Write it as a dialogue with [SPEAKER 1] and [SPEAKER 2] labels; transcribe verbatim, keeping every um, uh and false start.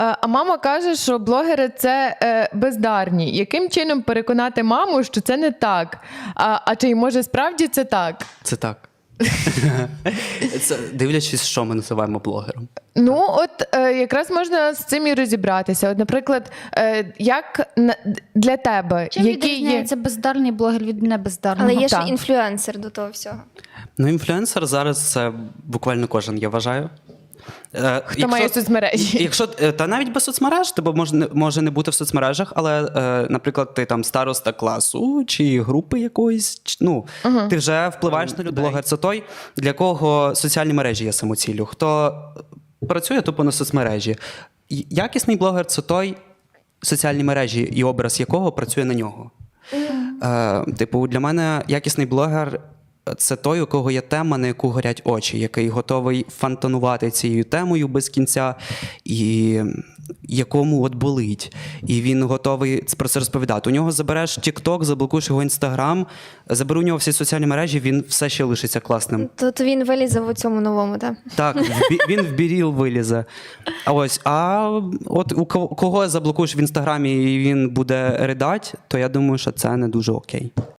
[SPEAKER 1] А мама каже, що блогери – це е, бездарні. Яким чином переконати маму, що це не так? А, а чи може справді це так?
[SPEAKER 2] Це так. Це, дивлячись, що ми називаємо блогером.
[SPEAKER 1] Ну, от е, якраз можна з цим і розібратися. От, наприклад, е, як на, для тебе,
[SPEAKER 3] Чим
[SPEAKER 1] які є...
[SPEAKER 3] відрізняється бездарний блогер від небездарного?
[SPEAKER 4] Але є ще
[SPEAKER 1] Так.
[SPEAKER 4] інфлюенсер до того всього.
[SPEAKER 2] Ну, інфлюенсер зараз це буквально кожен, я вважаю. Е,
[SPEAKER 1] Хто має соцмережі.
[SPEAKER 2] Якщо, е, та навіть без соцмереж, тебе може, не- може не бути в соцмережах, але, е, наприклад, ти там староста класу чи групи якоїсь, чи- ну, ти вже впливаєш на людей. Блогер – це той, для кого соціальні мережі є самоціллю. Хто працює тупо на соцмережі. І якісний блогер – це той, соціальні мережі і образ якого працює на нього. Е, типу, для мене якісний блогер – це той, у кого є тема, на яку горять очі, який готовий фонтанувати цією темою без кінця, і якому от болить. І він готовий про це розповідати. У нього забереш TikTok, заблокуєш його Instagram, заберу у нього всі соціальні мережі, він все ще лишиться класним.
[SPEAKER 4] То, то він вилізе в цьому новому, так?
[SPEAKER 2] Так, в бі- він в біріл вилізе. А ось, а от у кого- кого заблокуєш в Інстаграмі і він буде ридать, то я думаю, що це не дуже окей.